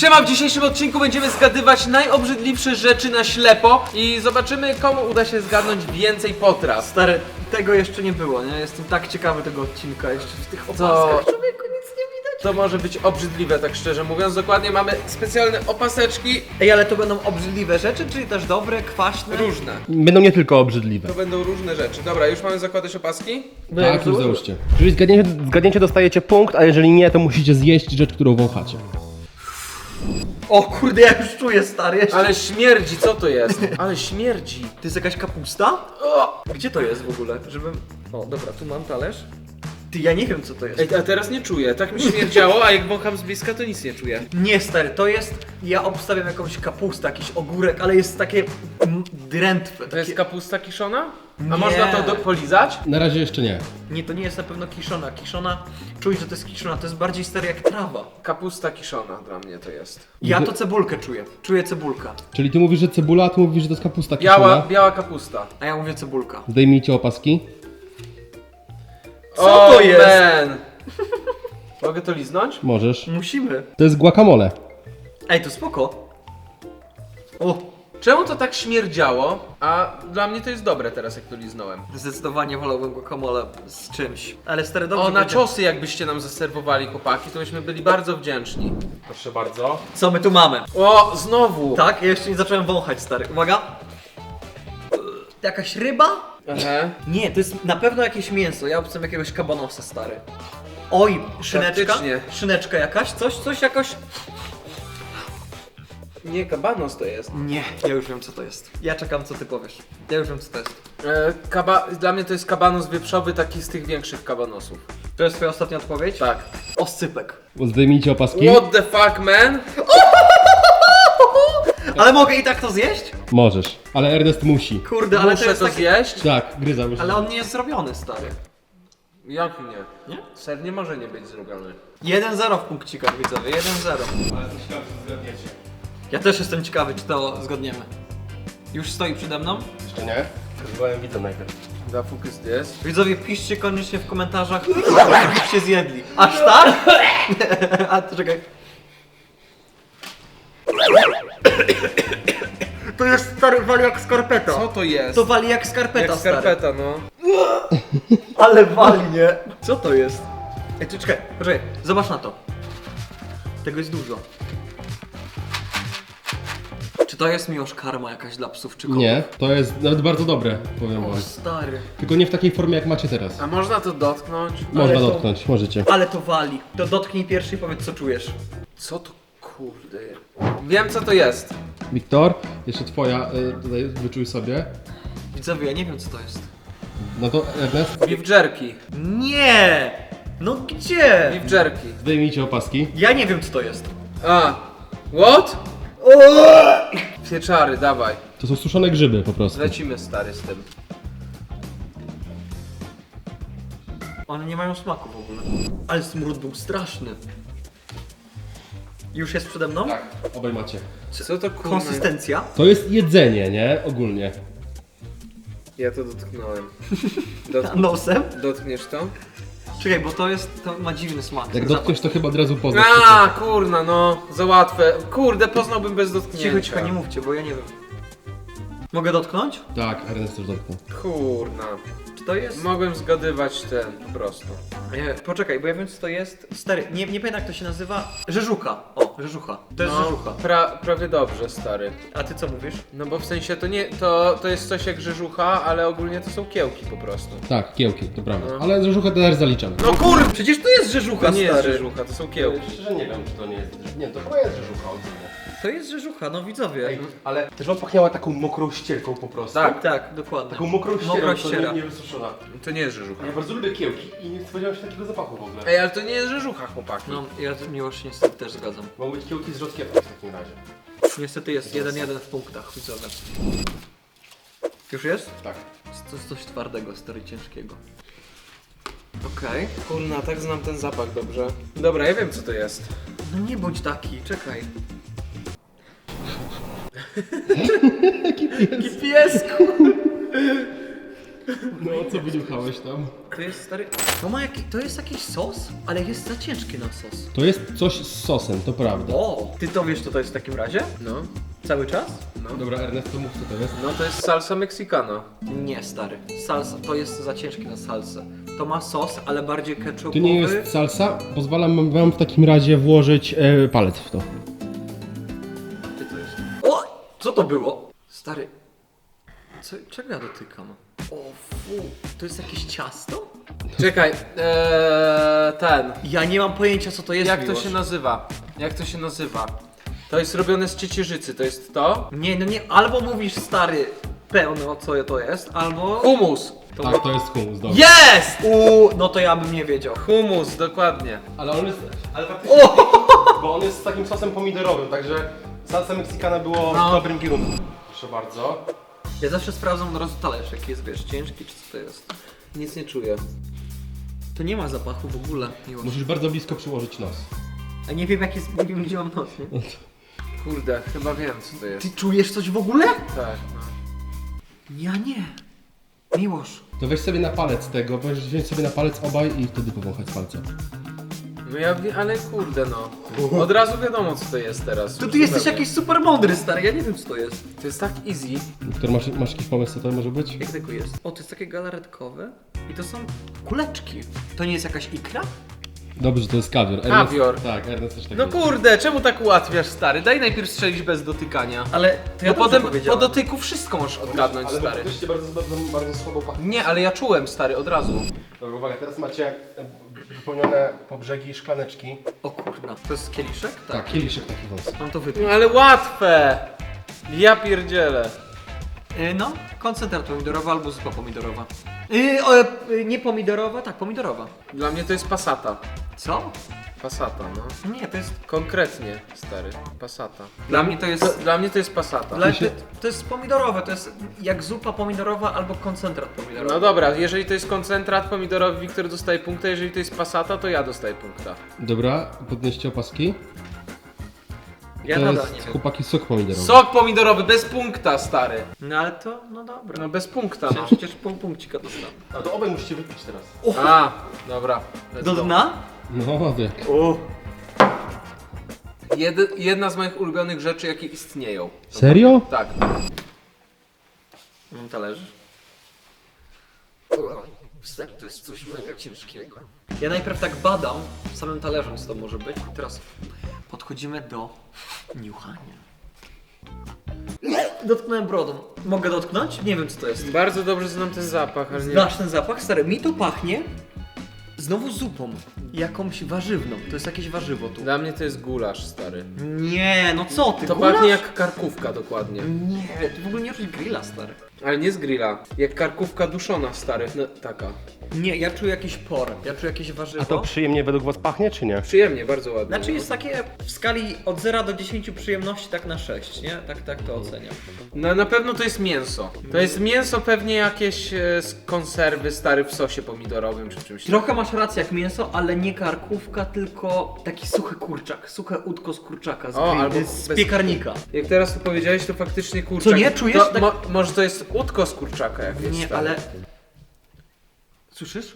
Siema, w dzisiejszym odcinku będziemy zgadywać najobrzydliwsze rzeczy na ślepo i zobaczymy, komu uda się zgadnąć więcej potraw. Stary, tego jeszcze nie było, nie? Jestem tak ciekawy tego odcinka, jeszcze w tych opaskach. Człowieku, nic nie widać. To może być obrzydliwe, tak szczerze mówiąc. Dokładnie mamy specjalne opaseczki. Ej, ale to będą obrzydliwe rzeczy, czyli też dobre, kwaśne? Różne. Będą nie tylko obrzydliwe. To będą różne rzeczy. Dobra, już mamy zakładać opaski? Tak, już załóżcie. Jeżeli zgadniecie, dostajecie punkt, a jeżeli nie, to musicie zjeść rzecz, którą wąchacie. O kurde, ja już czuję, stary, jeszcze. Ale śmierdzi, co to jest? Ale śmierdzi. To jest jakaś kapusta? O! Gdzie to jest w ogóle? Żebym... O, dobra, tu mam talerz. Ty, ja nie wiem co to jest. Ej, a teraz nie czuję. Tak mi śmierdziało, a jak wącham z bliska, to nic nie czuję. Nie, stary, to jest... Ja obstawiam jakąś kapustę, jakiś ogórek, ale jest takie... drętwe. To jest takie... kapusta kiszona? A Nie. można to polizać? Na razie jeszcze nie. Nie, to nie jest na pewno kiszona. Kiszona... Czuć, że to jest kiszona, to jest bardziej, stary, jak trawa. Kapusta kiszona dla mnie to jest. Ja to cebulkę czuję. Czuję cebulka. Czyli ty mówisz, że cebula, a ty mówisz, że to jest kapusta kiszona. Biała kapusta. A ja mówię cebulka. Zdejmijcie opaski. Co to jest? Man. Mogę to liznąć? Możesz. Musimy. To jest guacamole. Ej, to spoko. O, Czemu to tak śmierdziało? A dla mnie to jest dobre teraz, jak to liznąłem. zdecydowanie wolałbym guacamole z czymś. Ale stary, dobrze O, na będzie. czosy jakbyście nam zaserwowali, chłopaki, to byśmy byli bardzo wdzięczni. Proszę bardzo. Co my tu mamy? O, znowu! Tak, ja jeszcze nie zacząłem wąchać, stary. Uwaga. Jakaś ryba? Aha. Nie, to jest na pewno jakieś mięso. Ja obstawiam jakiegoś kabanosa, stary. Oj, szyneczka? Faktycznie. Szyneczka jakaś? Coś jakoś? Nie, kabanos to jest. Nie, ja już wiem co to jest. Ja czekam co ty powiesz. Ja już wiem co to jest. Dla mnie to jest kabanos wieprzowy, taki z tych większych kabanosów. To jest twoja ostatnia odpowiedź? Tak. Oscypek. Zdejmijcie opaski. What the fuck, man? Ale mogę i tak to zjeść? Możesz. Ale Ernest musi. Kurde, ale to Muszę jest to takie... zjeść? Tak, gryza musi. Ale on nie jest zrobiony, stary. Jak nie? Nie? Ser nie może nie być zrobiony. 1-0 w punkcikach, widzowie, 1-0. Ja też jestem ciekawy, czy to zgodniemy. Już stoi przede mną? Jeszcze nie? Wywołałem widza najpierw. Da focus this. Widzowie, piszcie koniecznie w komentarzach, jakbyście zjedli. Aż tak? A, to czekaj. To jest, stary, wali jak skarpeta. Co to jest? To wali jak skarpeta, Jak stary. skarpeta, no. Ale wali, nie? Co to jest? Ej, ty czekaj, poczekaj, zobacz na to. Tego jest dużo. Czy to jest miłość karma jakaś dla psów czy kotów? Nie, to jest nawet bardzo dobre, powiem O, wam. stary. Tylko nie w takiej formie, jak macie teraz. A można to dotknąć? Można to- dotknąć, możecie. Ale to wali. To dotknij pierwszy i powiedz co czujesz. Co to kurde? Wiem co to jest. Wiktor, jeszcze twoja, tutaj wyczuj sobie. Widzowie, ja nie wiem co to jest. No to Ernest, Beef jerky. Nie! No gdzie? Beef jerky. zdejmijcie opaski. Ja nie wiem co to jest. A. What? Pieczary, dawaj. To są suszone grzyby po prostu. Lecimy stary z tym. One nie mają smaku w ogóle. Ale smród był straszny. Już jest przede mną? Tak, obaj macie. Co to kurwa? Konsystencja? To jest jedzenie, nie? Ogólnie. Ja to dotknąłem. Nosem? Dotkniesz to? Czekaj, bo to ma dziwny smak. Jak dotkniesz, to chyba od razu poznasz. A, kurna, no. Za łatwe. Kurde, poznałbym bez dotknięcia. Cicho, cicho, nie mówcie, bo ja nie wiem. Mogę dotknąć? Tak, Ernest też dotknął. Kurna. Czy to jest? Mogłem zgadywać ten po prostu. Poczekaj, bo ja wiem co to jest. Stary, nie pamiętam jak to się nazywa. Rzeżucha. O, rzeżucha. To jest rzeżucha. Prawie dobrze, stary. A ty co mówisz? No bo w sensie to nie, to jest coś jak rzeżucha, ale ogólnie to są kiełki po prostu. Tak, kiełki, to prawda. No. Ale rzeżuchę też zaliczam. No kurwa! Przecież to jest rzeżucha, To nie jest stary. rzeżucha, to są kiełki. Szczerze nie wiem, czy to nie jest. Nie, to chyba jest rzeżucha ogólnie. To jest rzeżucha, no widzowie. Ale też wam pachniała taką mokrą ścierką po prostu. Tak. Tak, dokładnie. Taką mokrą ścierą, Mokra to ściera. nie wysuszona. To nie jest rzeżucha. Ja bardzo lubię kiełki i nie spodziewałem się takiego zapachu w ogóle. Ej, ale to nie jest rzeżucha, chłopaki. No, ja z miłość niestety też zgadzam. Mogą być kiełki z rzodkiewką w takim razie. Niestety jest 1-1 w punktach, widzowie. Już jest? Tak. To jest coś twardego, stary, ciężkiego. Okej. Kurna, tak znam ten zapach dobrze. Dobra, ja wiem co to jest. No nie bądź taki, czekaj. Jaki piesku! No, co wyniuchałeś tam? To jest stary... To jest jakiś sos, ale jest za ciężki na sos. To jest coś z sosem, to prawda. O! Ty to wiesz, co to jest w takim razie? No. Cały czas? Dobra, Ernest, to mów, co to jest. No to jest salsa mexicana. Nie, stary. Salsa, to jest za ciężkie na salsę. To ma sos, ale bardziej ketchupowy. To nie jest salsa? Pozwalam wam w takim razie włożyć palec w to. Gdzie to jest? O! Co to było? Stary. Czego ja dotykam? O fu, to jest jakieś ciasto? Czekaj, ten. Ja nie mam pojęcia, co to jest. Jak to Miłosz. się nazywa? Jak to się nazywa? To jest robione z ciecierzycy, to jest to? Nie, no nie, albo mówisz stary pełno, co to jest, albo... Humus! Tak, to jest humus, dobra. Jest! No to ja bym nie wiedział. Humus, dokładnie. Ale on jest... Ale faktycznie... Bo on jest z takim sosem pomidorowym, także salsa mexicana było No. w dobrym kierunku. Proszę bardzo. Ja zawsze sprawdzam od razu talerz, jaki jest, wiesz, ciężki, czy co to jest. Nic nie czuję. To nie ma zapachu w ogóle. Miło. Musisz bardzo blisko przyłożyć nos. A nie wiem, jak jest, nie wiem, gdzie mam nos, nie? Kurde, chyba wiem co to jest. Ty czujesz coś w ogóle? Tak, no. Ja nie. Miłosz. To weź sobie na palec tego, weź sobie na palec obaj i wtedy powąchać palcem. No ja wiem, ale kurde no. Od razu wiadomo co to jest teraz. To już ty jesteś zupełnie. jakiś super mądry, stary, ja nie wiem, co to jest. To jest tak easy. Wiktor, masz jakiś pomysł, co to może być? Jak tego jest? O, to jest takie galaretkowe i to są kuleczki. To nie jest jakaś ikra? Dobrze, to jest kawior. Kawior. Tak, Ernest też tak No jest. kurde, czemu tak ułatwiasz stary? Daj najpierw strzelić bez dotykania. Ale to ja Bo potem po powiedziałem. dotyku wszystko możesz odgadnąć stary. Faktycznie bardzo słabo pachnie. Nie, ale ja czułem stary od razu. Dobra, uwaga, teraz macie wypełnione po brzegi szklaneczki. O kurna, to jest kieliszek? Tak, kieliszek taki wąs. Mam to wypić. No ale łatwe! Ja pierdzielę. No, koncentrat pomidorowy albo zupa pomidorowa. Nie pomidorowa, tak, pomidorowa. Dla mnie to jest pasata. Co? Pasata, no. Nie, to jest... Konkretnie, stary. Pasata. Dla mnie to jest... Dla mnie to jest pasata. To jest pomidorowe, to jest jak zupa pomidorowa albo koncentrat pomidorowy. No dobra, jeżeli to jest koncentrat pomidorowy, Wiktor dostaje punkta, jeżeli to jest pasata, to ja dostaję punkta. Dobra, podnieście opaski. Ja To nadal nie jest wiem. chłopaki sok pomidorowy. Sok pomidorowy, bez punkta, stary. No ale to, no dobra. No bez punkta, Ja no. przecież pół punkcika dostałem. A to obaj musicie wypić teraz. A, dobra. let's Do go. dna? No, wie. O. Jedna z moich ulubionych rzeczy, jakie istnieją. Serio? Tak. Mam talerz. To jest coś mega ciężkiego. Ja najpierw tak badam samym talerzem, co to może być. I teraz podchodzimy do niuchania. Dotknąłem brodą. Mogę dotknąć? Nie wiem, co to jest. Bardzo dobrze znam ten zapach, ale nie... Znasz ten zapach? Stary, mi to pachnie znowu zupą. Jakąś warzywną. To jest jakieś warzywo tu. Dla mnie to jest gulasz, stary. Nie, no co ty, To gulasz? pachnie jak karkówka dokładnie. Nie, to w ogóle nie czuć grilla, stary. Ale nie z grilla. Jak karkówka duszona, stary. No, taka. Nie, ja czuję jakiś por. Ja czuję jakieś warzywo. przyjemnie według was pachnie, czy nie? Przyjemnie, bardzo ładnie. Znaczy jest takie w skali od 0 do 10 przyjemności tak na 6, nie? Tak to oceniam. No, na pewno to jest mięso. To jest mięso pewnie jakieś z konserwy stary w sosie pomidorowym czy czymś. Trochę masz rację jak mięso, ale nie karkówka, tylko taki suchy kurczak. Suche udko z kurczaka, z, O, albo z bez- piekarnika. Jak teraz to powiedziałeś, to faktycznie kurczak. Co nie? Czujesz? To, Tak- może to jest udko z kurczaka jakieś. Nie, stary. ale... Słyszysz?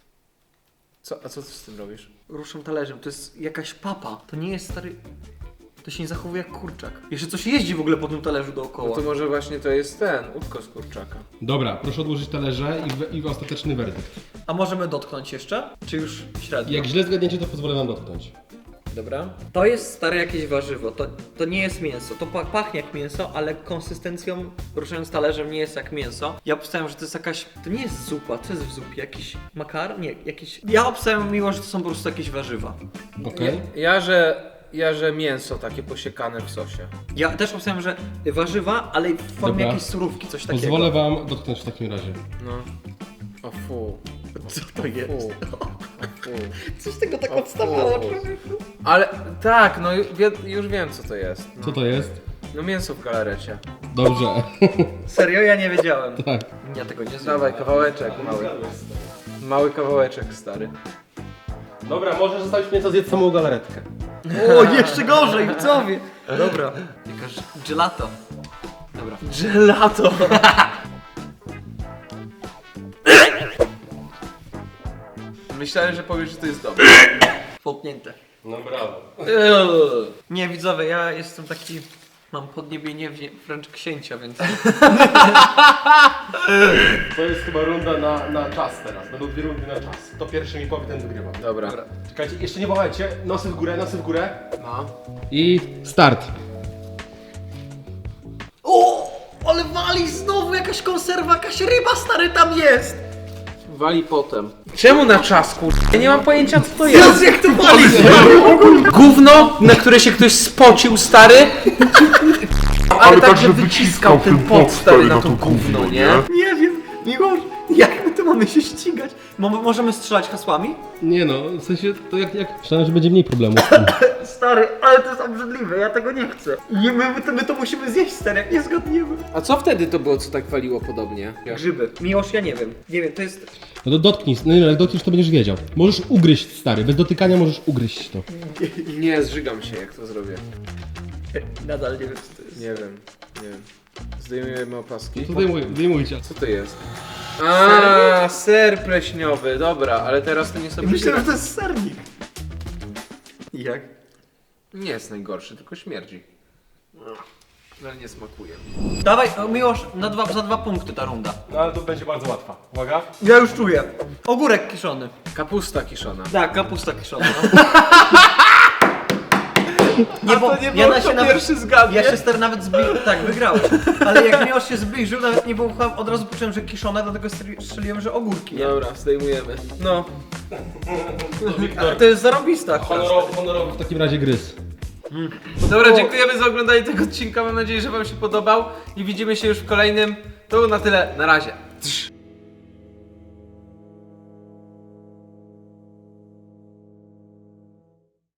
A co ty z tym robisz? Ruszam talerzem, to jest jakaś papa. To nie jest stary... To się nie zachowuje jak kurczak. Jeszcze coś jeździ w ogóle po tym talerzu No dookoła. to może właśnie to jest ten, udko z kurczaka. Dobra, proszę odłożyć talerze i ostateczny werdykt. A możemy dotknąć jeszcze? Czy już średnio? Jak źle zgadniecie, to pozwolę wam dotknąć. Dobra. To jest stare jakieś warzywo. To nie jest mięso. To pachnie jak mięso, ale konsystencją, ruszając talerzem, nie jest jak mięso. Ja obstawiam, że to jest jakaś... To nie jest zupa. Co jest w zupie? Jakiś makar? Nie, jakiś... Ja obstawiam miło, że to są po prostu jakieś warzywa. Okej? Ja, że mięso takie posiekane w sosie. Ja też obstawiam, że warzywa, ale w formie Dobra. jakiejś surówki, coś takiego. Pozwolę wam dotknąć w takim razie. No. O fu. Co to jest? Fu. O fu. Coś tego tak O, odstawało, fu. człowieku. Ale tak, no już wiem co to jest. No, Co to jest? no mięso w galarecie. Dobrze. Serio? Ja nie wiedziałem. Tak. Ja tego nie znam. Dawaj, kawałeczek mały. Mały kawałeczek, stary. Dobra, możesz zostawić mnie, co zjedz samą galaretkę. O, jeszcze gorzej, co wie? Dobra. Jakaś gelato. Dobra. Gelato! Myślałem, że powiesz, że to jest dobre. Połknięte. No brawo. Nie, widzowie, ja jestem taki... Mam podniebienie wręcz księcia, więc... To jest chyba runda na czas teraz. Będą 2 rundy na czas. Kto pierwszy mi powie, ten wygrywa. Dobra. Czekajcie, jeszcze nie wołajcie. Nosy w górę, nosy w górę. No. I start. O! Ale wali znowu jakaś konserwa, jakaś ryba stary tam jest! Wali potem. Czemu na czas, kurwa? Ja nie mam pojęcia, co to jest. Jezu, jak to wali! Gówno, na które się ktoś spocił, stary. Ale tak, że wyciskał ten pot, stary, na to gówno, nie? Nie wiem, Miłosz, jak my tu mamy się ścigać? Możemy strzelać hasłami? Nie no, w sensie to jak... Myślałem, że będzie mniej problemów z tym. Stary, ale to jest obrzydliwe, ja tego nie chcę. I my to musimy zjeść, stary, jak nie zgadniemy. A co wtedy to było, co tak waliło podobnie? Grzyby. Miłosz, ja nie wiem. Nie wiem, to jest... No to dotknij, no nie, jak dotkniesz to będziesz wiedział. Możesz ugryźć, stary, bez dotykania możesz ugryźć to. Nie, zżygam się, jak to zrobię. Nadal nie wiem, co to jest. Nie wiem. Zdejmujemy opaski. To zdejmujcie. Co to jest? A, ser pleśniowy, dobra, ale teraz to nie sobie. Myślę, że to jest sernik. Jak? Nie jest najgorszy, tylko śmierdzi. Ale nie smakuje. Dawaj, Miłosz, za 2 punkty ta runda. No ale to będzie bardzo łatwa. Uwaga. Ja już czuję. Ogórek kiszony. Kapusta kiszona. Tak, kapusta kiszona. Nie, bo to nie ja było, na kto się nawet, pierwszy zgadnie? ja się stary nawet zbliżył, tak, wygrałem. Ale jak Miłosz się zbliżył, nawet nie było, od razu poczułem, że kiszone, dlatego strzeliłem, że ogórki, nie? Dobra, zdejmujemy. No. Ale to jest zarobista. Honorowy w takim razie gryz. Dobra, dziękujemy za oglądanie tego odcinka. Mam nadzieję, że wam się podobał i widzimy się już w kolejnym. To na tyle, na razie.